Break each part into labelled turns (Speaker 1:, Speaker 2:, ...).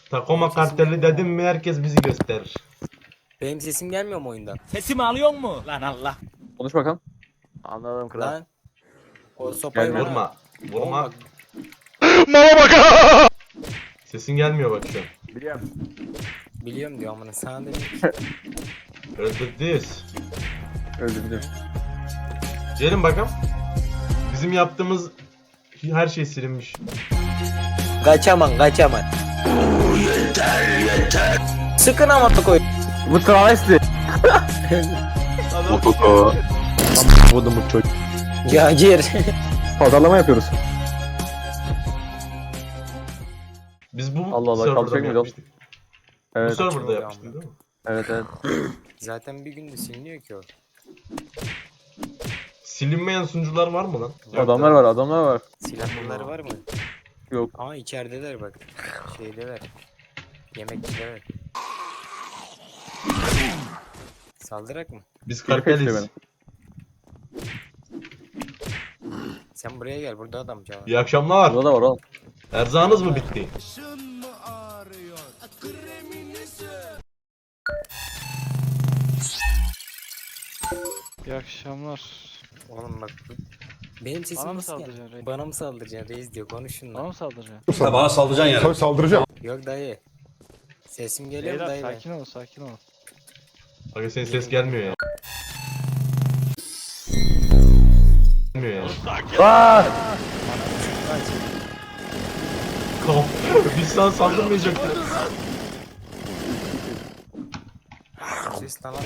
Speaker 1: Takoma karteli dedim mi herkes bizi gösterir.
Speaker 2: Benim sesim gelmiyor mu oyundan?
Speaker 3: Sesimi alıyor mu? Lan Allah.
Speaker 4: Konuş bakalım. Anladım kral.
Speaker 2: Lan. O sopayı
Speaker 4: Gelmiyor.
Speaker 2: vurma.
Speaker 1: Vurma.
Speaker 2: Oğlum
Speaker 1: Sesin gelmiyor bak şu an.
Speaker 4: Biliyorum.
Speaker 2: biliyorum diyor amına sana dedim.
Speaker 1: Öldürdüyüz.
Speaker 4: Öldürdüm.
Speaker 1: Gelin bakalım. Bizim yaptığımız her şey silinmiş.
Speaker 2: Kaçaman. Yeter. Sıkın ama koy.
Speaker 4: Bu travesti.
Speaker 5: Vurdum bu çocuk.
Speaker 2: Cahil.
Speaker 4: Pazarlama yapıyoruz.
Speaker 1: Biz bu
Speaker 4: Allah Allah,
Speaker 1: serverda
Speaker 4: kalkacak
Speaker 1: mı
Speaker 4: mıyız
Speaker 1: yapmıştık? Bu
Speaker 4: Evet.
Speaker 1: serverda
Speaker 2: Çok
Speaker 1: yapmıştık değil mi?
Speaker 4: Evet.
Speaker 2: Zaten bir günde siliniyor ki o.
Speaker 1: Silinmeyen sunucular var mı lan? Yok
Speaker 4: Adamlar
Speaker 1: da.
Speaker 4: var.
Speaker 2: Silahlıları var mı?
Speaker 4: Yok.
Speaker 2: Aa içerideler bak. Şeydeler. Yemekçiler. Saldırak mı?
Speaker 1: Biz
Speaker 4: Biri kaçıyor
Speaker 1: karteliz.
Speaker 4: benim.
Speaker 2: Sen buraya gel burada adam canım.
Speaker 1: İyi akşamlar.
Speaker 4: Burada da var oğlum.
Speaker 1: Erzağınız mı bitti?
Speaker 5: İyi akşamlar.
Speaker 2: Oğlum bak. Benim sesim
Speaker 5: Bana mı
Speaker 2: nasıl
Speaker 5: saldıracaksın
Speaker 2: geldi?
Speaker 5: reis?
Speaker 2: Bana mı saldıracaksın reis diyor konuşun
Speaker 5: Bana
Speaker 2: lan.
Speaker 5: mı saldıracaksın?
Speaker 6: Sen bana saldıracaksın yani.
Speaker 7: Tabii saldıracağım.
Speaker 2: Yok dayı. Sesim geliyor mu
Speaker 5: Beyler
Speaker 2: dayı?
Speaker 5: sakin olun sakin olun.
Speaker 1: Aga senin ses gelmiyor ya. Gelmiyor ya.
Speaker 4: Aaa!
Speaker 1: Biz sana saldırmayacaktık.
Speaker 2: Ses lan.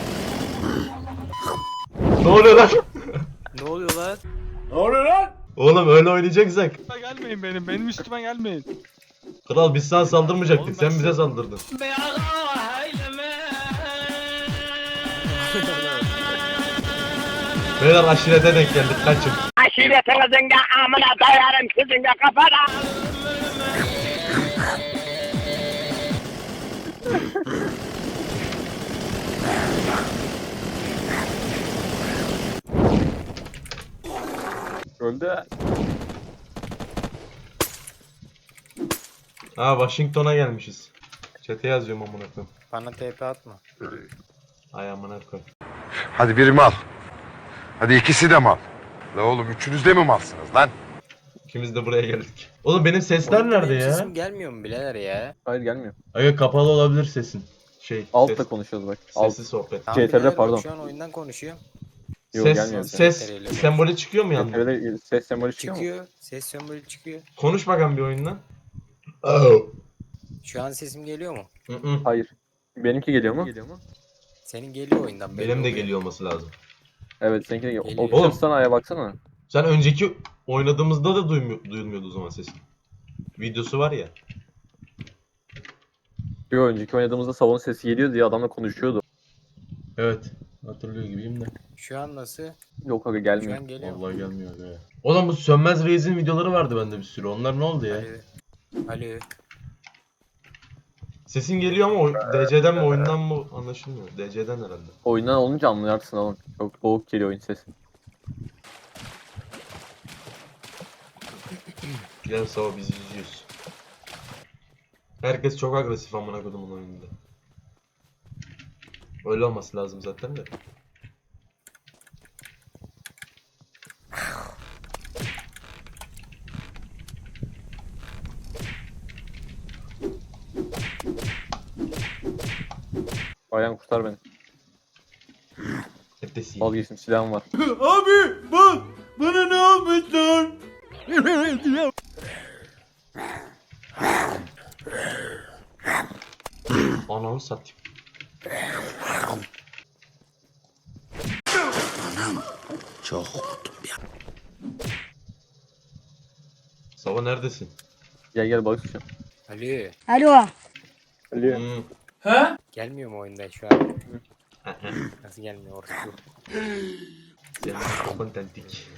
Speaker 1: Ne oluyor lan?
Speaker 2: Ne oluyor lan?
Speaker 1: Oğlum öyle oynayacaksak.
Speaker 5: Gelmeyin benim üstüme gelmeyin.
Speaker 1: Kral biz sana saldırmayacaktık.
Speaker 5: Oğlum
Speaker 1: Sen
Speaker 5: ben
Speaker 1: bize saldırdın. Beyler aşirete denk geldik. Kaçın.
Speaker 8: Aşiretinizin de amına dayarım sizin de kafana.
Speaker 4: Öldü.
Speaker 1: Ha Washington'a gelmişiz. Çete yazıyorum amına koyayım.
Speaker 2: Bana TP atma.
Speaker 1: Ay amına koy.
Speaker 7: Hadi biri mal. Hadi ikisi de mal. La oğlum üçünüz de mi malsınız lan?
Speaker 1: İkimiz de buraya geldik. Oğlum benim sesler
Speaker 2: Oğlum,
Speaker 1: nerede
Speaker 2: benim
Speaker 1: ya?
Speaker 2: Sesim gelmiyor mu birader ya?
Speaker 4: Hayır gelmiyor.
Speaker 1: Aga kapalı olabilir sesin.
Speaker 4: Altta
Speaker 1: ses,
Speaker 4: konuşuyoruz bak. Alt.
Speaker 1: sesli sohbet.
Speaker 2: Tamam,
Speaker 4: CTRL
Speaker 2: birader, bak,
Speaker 4: pardon.
Speaker 2: Şu an oyundan konuşuyorum.
Speaker 4: Yok gelmiyor.
Speaker 1: Ses sembolü çıkıyor mu yanında?
Speaker 4: CTRL'de ses sembolü çıkıyor mu?
Speaker 2: Çıkıyor. Ses sembolü çıkıyor.
Speaker 1: Konuş bakalım bir oyundan. Oh.
Speaker 2: Şu an sesim geliyor mu?
Speaker 1: Hı-hı.
Speaker 4: Hayır. Benimki geliyor mu?
Speaker 2: Senin geliyor oyundan. belli
Speaker 1: Benim de
Speaker 2: oluyor.
Speaker 1: geliyor olması lazım.
Speaker 4: Evet seninki de geliyor.
Speaker 2: Geliyor.
Speaker 4: Oğlum sana aya baksana.
Speaker 1: Sen önceki oynadığımızda da duyulmuyordu o zaman sesin. Videosu var ya.
Speaker 4: Bir önceki oynadığımızda salon sesi geliyor diye adamla konuşuyordu.
Speaker 1: Evet. Hatırlıyor gibiyim de.
Speaker 2: Şu an nasıl?
Speaker 4: Yok aga
Speaker 2: Şu
Speaker 4: gelmiyor.
Speaker 2: an geliyor mu?
Speaker 1: Vallahi gelmiyor be. Oğlum bu Sönmez Reis'in videoları vardı bende bir sürü. Onlar ne oldu ya?
Speaker 2: Alo.
Speaker 1: Sesin geliyor ama DC'den mi oyundan mı anlaşılmıyor. DC'den herhalde.
Speaker 4: Oyundan olunca anlarsın oğlum. Çok boğuk geliyor oyun sesi.
Speaker 1: Gel sabah bizi izliyoruz. Herkes çok agresif amına kodumun oyununda. Öyle olması lazım zaten de.
Speaker 4: Ayağım kurtar beni.
Speaker 1: Hep de sinir.
Speaker 4: Vazgeçtim silahım var.
Speaker 3: Abi bak bana ne olmuş lan?
Speaker 1: Ananı satayım.
Speaker 6: Çok korktum ya.
Speaker 1: Sabah neredesin?
Speaker 4: Gel balık tutacağım.
Speaker 2: Alo.
Speaker 8: Alo.
Speaker 4: Alo.
Speaker 2: Gelmiyor mu oyunda şu an? Nasıl gelmiyor orası?
Speaker 1: Senin kontentik.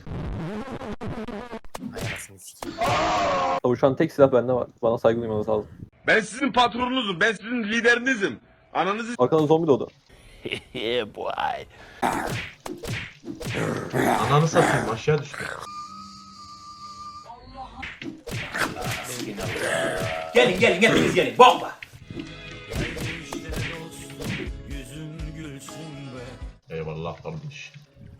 Speaker 2: Ay anasını sikeyim.
Speaker 4: Tavuşan tek silah bende var. Bana saygı duymanız lazım.
Speaker 9: Ben sizin patronunuzum. Ben sizin liderinizim. Ananızı
Speaker 4: Arkadan zombi doğdu.
Speaker 6: Yeah boy.
Speaker 1: Ananı satayım aşağı düştü.
Speaker 6: Gelin gelin hepiniz gelin. Bomba.
Speaker 1: Eyvallah kardeş.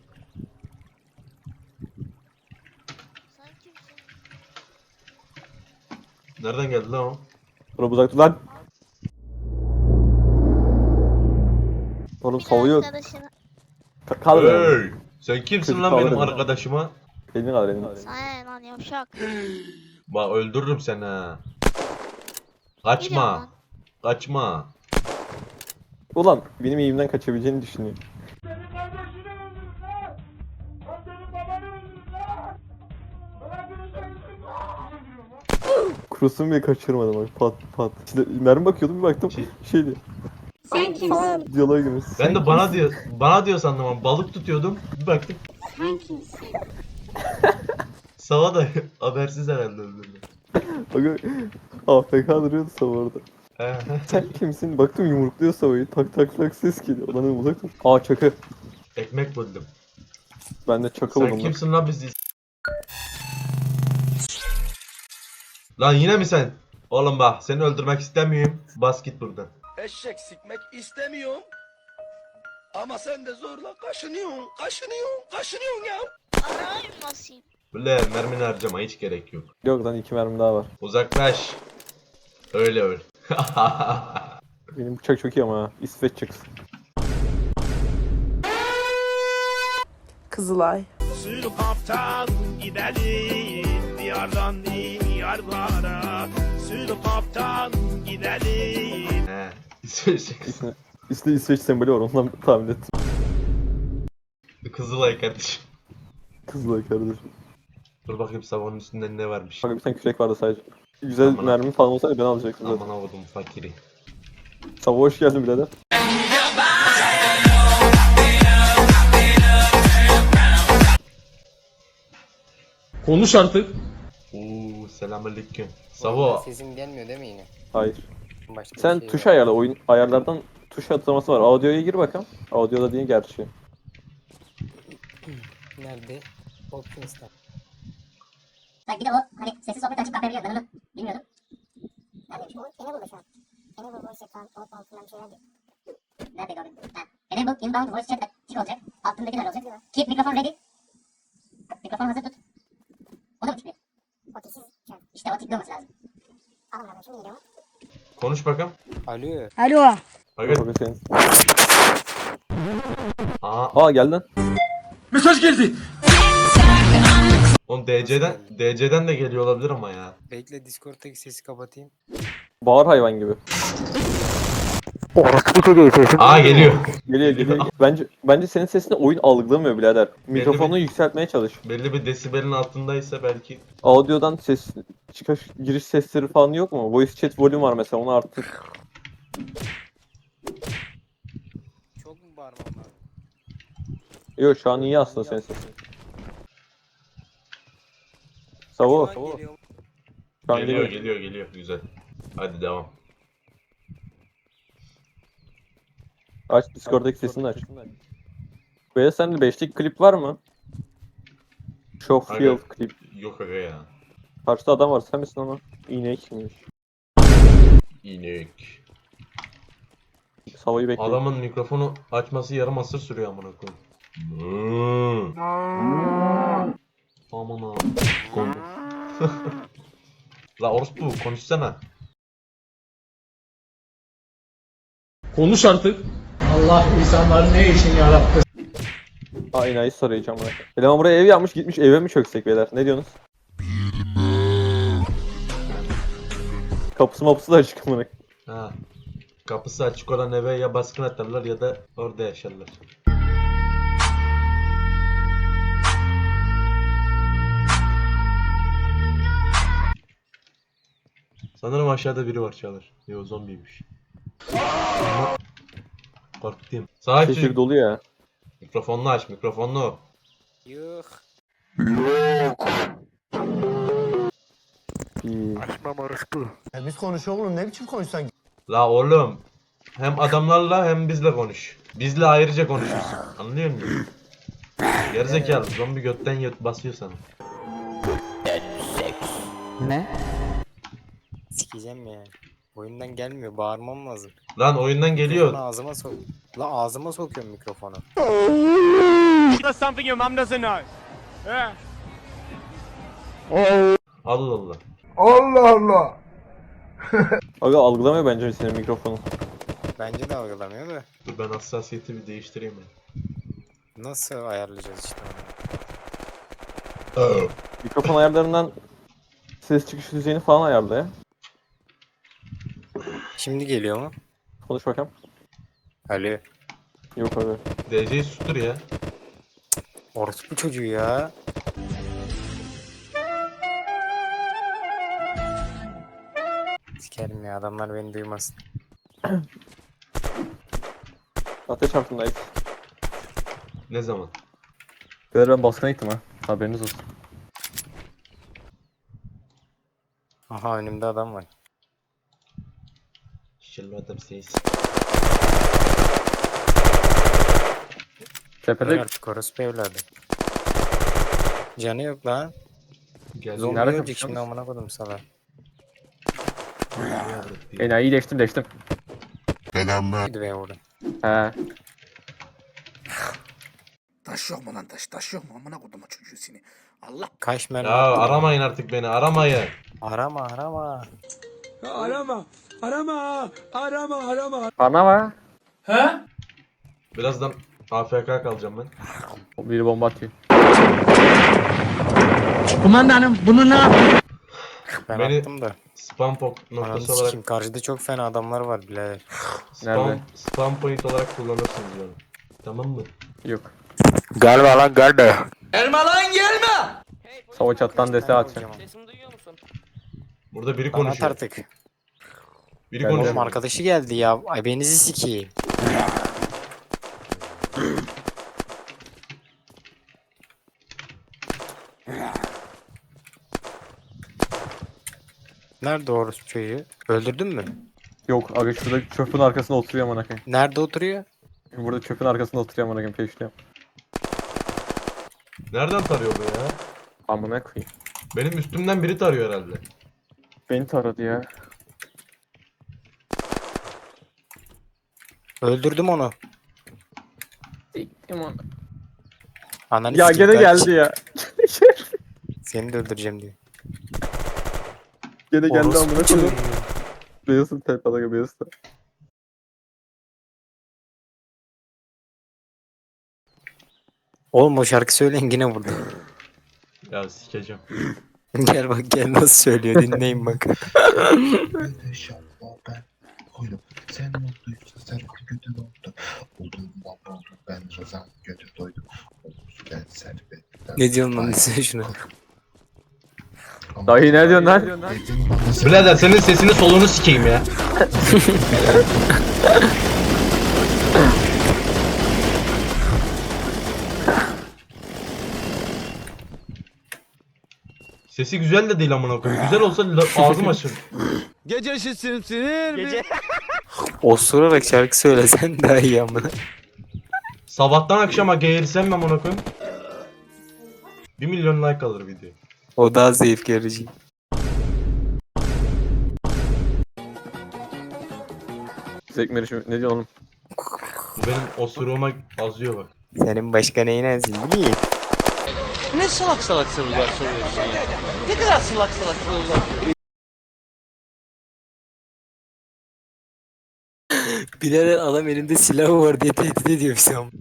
Speaker 1: Nereden geldi lan o?
Speaker 4: Bura uzak dur lan. Oğlum savuyor. Kaldır beni.
Speaker 1: Hey! Sen kimsin
Speaker 4: Çocuk
Speaker 1: lan benim
Speaker 4: alırım.
Speaker 1: arkadaşıma?
Speaker 4: Elini kaldır elini.
Speaker 10: Sana ne lan yavşak.
Speaker 1: Bak öldürürüm seni ha.
Speaker 10: Gidiyorum
Speaker 1: Kaçma.
Speaker 10: lan.
Speaker 1: Kaçma.
Speaker 4: Ulan benim eğimden kaçabileceğini düşünüyor.
Speaker 3: Senin kardeşini öldürdün lan. Ben senin babanı öldürdüm lan. Bırakın sen lan.
Speaker 4: Kurusunu bile kaçırmadım bak pat pat. İşte mermi bakıyordum bir baktım şeydi.
Speaker 10: Sen kimsin?
Speaker 4: Diyaloğa girmiş.
Speaker 1: Ben de bana diyor sandım ama balık tutuyordum. Bir baktım.
Speaker 10: Sen kimsin?
Speaker 1: Sava da habersiz herhalde öldürdü.
Speaker 4: Bak AFK duruyordu Sava orada. Sen kimsin? Baktım yumrukluyor Sava'yı. Tak tak tak ses geliyor. Ulan dedim, uzak dur. Aa çakı.
Speaker 1: Ekmek buldum.
Speaker 4: Ben de çakı
Speaker 1: Sen
Speaker 4: buldum.
Speaker 1: kimsin lan bizi? Lan yine mi sen? Oğlum bak seni öldürmek istemiyorum. Bas git buradan.
Speaker 6: Eşek sikmek istemiyorum. Ama sen de zorla kaşınıyorsun ya.
Speaker 10: Arayayım basayım.
Speaker 1: Böyle mermini harcama hiç gerek yok.
Speaker 4: Yok lan 2 mermi daha var.
Speaker 1: Uzaklaş. Öyle öl.
Speaker 4: Benim bıçak çok iyi ama ha. İsveç çakısı.
Speaker 11: Kızılay.
Speaker 9: Sürü kaptan gidelim diyardan diyarlara. Sürü kaptan gidelim.
Speaker 1: He. İsveç.
Speaker 4: İsmi İsveç sembolü var ondan tahmin ettim.
Speaker 1: Kızılay kardeşim.
Speaker 4: Kızılay kardeşim.
Speaker 1: Dur bakayım savanın üstünde ne varmış.
Speaker 4: Bak bir tane kürek vardı sadece. Güzel
Speaker 1: Aman
Speaker 4: mermi falan olsaydı ben alacaktım zaten.
Speaker 1: Aman avudum fakiri.
Speaker 4: Sava hoş geldin birader.
Speaker 3: Konuş artık.
Speaker 1: Oo selamünaleyküm. Savo.
Speaker 2: Sesim gelmiyor değil mi yine?
Speaker 4: Hayır.
Speaker 2: Başka bir
Speaker 4: Sen
Speaker 2: şey
Speaker 4: tuş
Speaker 2: var.
Speaker 4: ayarla. Oyun ayarlardan tuş atlaması var. Audio'ya gir bakalım. Audio'da değil gerçi.
Speaker 2: Nerede? Optimus'ta.
Speaker 10: Bir de o hani sessiz sohbet açıp kapayabiliyor. Ben onu bilmiyordum. Neredeymiş bu? Enable şu an. Enable voice chat falan. Alt altından bir şeyler diyor. Nerede gördün? Ha. Enable inbound voice chat tik olacak. Altındakiler olacak. Keep mikrofon ready. Mikrofon hazır tut. O da mı çıkıyor? O tiksiz. İşte o tikli olması lazım. Alın ben şimdi geliyorum.
Speaker 1: Konuş bakalım.
Speaker 2: Alo.
Speaker 10: Alo.
Speaker 1: Bakın.
Speaker 4: Bakın senin.
Speaker 1: Aa.
Speaker 4: Aa gel lan.
Speaker 3: Mesaj geldi.
Speaker 1: Oğlum DC'den de geliyor olabilir ama ya.
Speaker 2: Bekle Discord'daki sesi kapatayım.
Speaker 4: Bağır hayvan gibi.
Speaker 1: Aa geliyor.
Speaker 4: Geliyor. Bence senin sesini oyun algılamıyor birader. Mikrofonu yükseltmeye çalış.
Speaker 1: Belli bir desibelin altındaysa belki.
Speaker 4: Audio'dan ses çıkış giriş sesleri falan yok mu? Voice chat volume var mesela onu arttır.
Speaker 2: Çok mu bağırmam lazım?
Speaker 4: Yok şu an iyi aslında senin sesin. Savo.
Speaker 2: Şu an geliyor.
Speaker 4: Şu an
Speaker 1: Geliyor. Güzel. Hadi devam.
Speaker 4: Aç Discord'daki sesini aç. Böyle sende 5'lik klip var mı? Showfield klip.
Speaker 1: Yok aga ya.
Speaker 4: Karşıda adam var sen misin ama? İnekmiş.
Speaker 1: İnek.
Speaker 4: Savo'yu bekle.
Speaker 1: Adamın mikrofonu açması yarım asır sürüyor amına koyayım. Aman ha. La orospu konuşsana.
Speaker 3: Konuş artık. Allah insanları ne için yarattı?
Speaker 4: Aa enayi sarayacağım buna. Eleman buraya ev yapmış gitmiş eve mi çöksek beyler? Ne diyorsunuz? Kapısı mapısı da açık amına.
Speaker 1: Ha. Kapısı açık olan eve ya baskın atarlar ya da orada yaşarlar. Sanırım aşağıda biri var Çağlar. Yo zombiymiş. Ama korktum. Sakin.
Speaker 4: Şehir dolu ya.
Speaker 1: Mikrofonunu aç, mikrofonunu.
Speaker 2: Yok.
Speaker 4: İyi.
Speaker 6: Biz konuşuyor oğlum ne biçim konuşsan?
Speaker 1: La oğlum. Hem adamlarla hem bizle konuş. Bizle ayrıca konuşursun. Anlıyor musun? Gerizekalı zombi götten basıyor sana.
Speaker 11: Ne?
Speaker 2: Sikeceğim ya. Oyundan gelmiyor. Bağırmam lazım.
Speaker 1: Lan oyundan
Speaker 2: Mikrofonu
Speaker 1: geliyor.
Speaker 2: ağzıma sok. La ağzıma sokuyorum mikrofonu.
Speaker 3: That's something your mom doesn't know. Yeah.
Speaker 1: Allah Allah.
Speaker 7: Allah Allah.
Speaker 4: Aga algılamıyor bence senin mikrofonun.
Speaker 2: Bence de algılamıyor da.
Speaker 1: Dur ben hassasiyeti bir değiştireyim ya.
Speaker 2: Nasıl ayarlayacağız işte onu?
Speaker 4: Mikrofon ayarlarından ses çıkış düzeyini falan ayarla ya.
Speaker 2: Şimdi geliyor mu?
Speaker 4: Konuş bakalım.
Speaker 2: Alo.
Speaker 4: Yok abi.
Speaker 1: DC'yi sustur ya.
Speaker 2: Orospu çocuğu ya. Sikerim ya adamlar beni duymasın.
Speaker 4: Ateş altındayız.
Speaker 1: Ne zaman?
Speaker 4: Beyler ben baskına gittim ha. Haberiniz olsun.
Speaker 2: Aha önümde adam var.
Speaker 1: Şişirme adam seyiz.
Speaker 2: Öyle
Speaker 4: Tepede
Speaker 2: artık orospu evladı. Canı yok lan.
Speaker 1: Gel.
Speaker 2: Zombi
Speaker 4: Nerede
Speaker 2: ölecek
Speaker 4: kapışıyorsunuz?
Speaker 2: şimdi amına kodum sana.
Speaker 4: enayi değiştim.
Speaker 7: Selamlar.
Speaker 2: Gidi be orada.
Speaker 4: He.
Speaker 6: Taş yok mu lan taş? Taş yok mu? Amına kodumu çocuğu seni. Allah.
Speaker 2: Kaç mermi
Speaker 1: Ya
Speaker 2: attı?
Speaker 1: aramayın artık beni aramayın.
Speaker 2: Arama arama.
Speaker 4: Bana var.
Speaker 1: Birazdan AFK kalacağım ben.
Speaker 4: Biri bomba atıyor.
Speaker 2: Ben
Speaker 1: Beni-
Speaker 2: attım da.
Speaker 1: Spam
Speaker 2: Ananı
Speaker 1: noktası olarak
Speaker 2: sikeyim karşıda çok fena adamlar var birader.
Speaker 4: Nerede?
Speaker 1: spam point olarak kullanırsınız yani. Tamam mı?
Speaker 4: Yok.
Speaker 2: Galiba lan galiba.
Speaker 4: Sava çattan dese atacağım.
Speaker 2: Sesimi duyuyor musun?
Speaker 1: Burada biri
Speaker 2: At
Speaker 1: konuşuyor.
Speaker 2: artık.
Speaker 1: Biri
Speaker 4: Ben
Speaker 2: Oğlum
Speaker 1: konuşuyor.
Speaker 2: arkadaşı geldi ya. Ay benizi sikeyim. Nerede orospu çocuğu? Öldürdün mü?
Speaker 4: Yok aga şurada çöpün arkasında oturuyor amına koyayım.
Speaker 2: Nerede oturuyor?
Speaker 4: Burada çöpün arkasında oturuyor amına koyayım peşliyorum.
Speaker 1: Nereden tarıyor bu ya?
Speaker 4: Amına koyayım.
Speaker 1: Benim üstümden biri tarıyor herhalde.
Speaker 4: Beni taradı ya.
Speaker 2: Öldürdüm onu.
Speaker 4: Siktim onu.
Speaker 2: Ananı
Speaker 4: Ya
Speaker 2: sikeyim,
Speaker 4: gene
Speaker 2: kaç.
Speaker 4: geldi ya.
Speaker 2: Seni de öldüreceğim diyor.
Speaker 4: Gene geldi
Speaker 2: Orospu
Speaker 4: amına
Speaker 2: çocuğu.
Speaker 4: koyayım. Beyazın tepede aga beyazın.
Speaker 2: Oğlum o şarkı söyleyin yine vurdu.
Speaker 1: Ya sikeceğim.
Speaker 2: Gel bak gel nasıl söylüyor dinleyin bak.
Speaker 7: İnşallah ben koydum. Sen mutluysan sen kötü oldu. Olduğundan oldu. Ben Rıza'm kötü doydum. Ben servetten.
Speaker 2: Ne diyorsun lan sen şuna?
Speaker 4: Dayı ne diyorsun lan?
Speaker 1: Birader senin sesini solunu sikeyim ya. Sesi güzel de değil amına koyayım. Güzel olsa ağzım açılır.
Speaker 6: Gecesi sinir mi?
Speaker 2: Osurarak şarkı söylesen daha iyi amına.
Speaker 1: Sabahtan akşama geğirsem mi amına koyayım? 1 milyon like alır video.
Speaker 2: O daha zevk verici.
Speaker 4: Zekmeri şimdi ne diyor oğlum?
Speaker 1: Bu benim osuruğuma azıyor bak.
Speaker 2: Senin başka neyin ezin değil mi?
Speaker 6: Ne salak salak sorular soruyorsun ya? Ne kadar salak salak sorular.
Speaker 2: Bilal'in adam elinde silahı var diye tehdit ediyor bizi ama.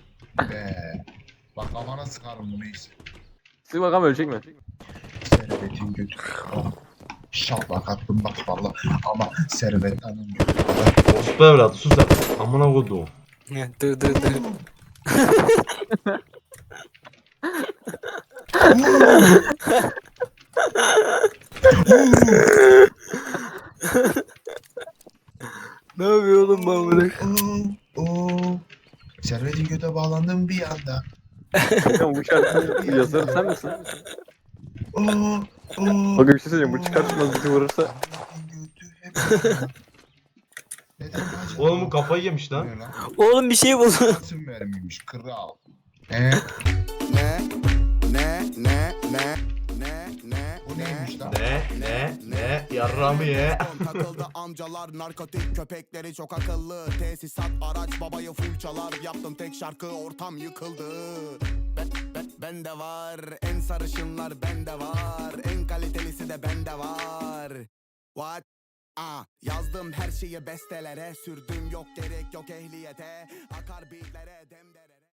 Speaker 7: Bak amana sıkarım bunu neyse.
Speaker 4: Siz bakalım ölecek mi?
Speaker 7: Servetin götü. İnşallah kattım bak valla. Ama servet hanım götü.
Speaker 1: Ospu evladı sus artık. Amına koduğum.
Speaker 2: Dur dur dur. Ne yapıyor oğlum ben bunu?
Speaker 7: Servetin göte bağlandım bir anda.
Speaker 4: Bakalım bu şarkının yazarı sen misin?
Speaker 7: Oo, oo.
Speaker 4: Bakın bir şey söyleyeyim bu çıkar çıkmaz bizi vurursa.
Speaker 7: Servetin götü hep bağlandı. Neden acaba?
Speaker 1: Oğlum bu kafayı yemiş lan.
Speaker 7: Ne lan?
Speaker 2: Oğlum bir şey buldu.
Speaker 7: Nasıl vermiymiş kral?
Speaker 6: Ne? Ne? Ne? Ne? Ne? Ne?
Speaker 7: Bu neymiş lan?
Speaker 1: Ne? Yarramı ye.
Speaker 6: Takıldı amcalar narkotik köpekleri çok akıllı. Tesisat araç babayı full çalar. Yaptım tek şarkı ortam yıkıldı. Ben de var en sarışınlar bende var. En kalitelisi de bende var. What? Yazdım her şeyi bestelere. Sürdüm yok gerek yok ehliyete. Akar beatlere demdere.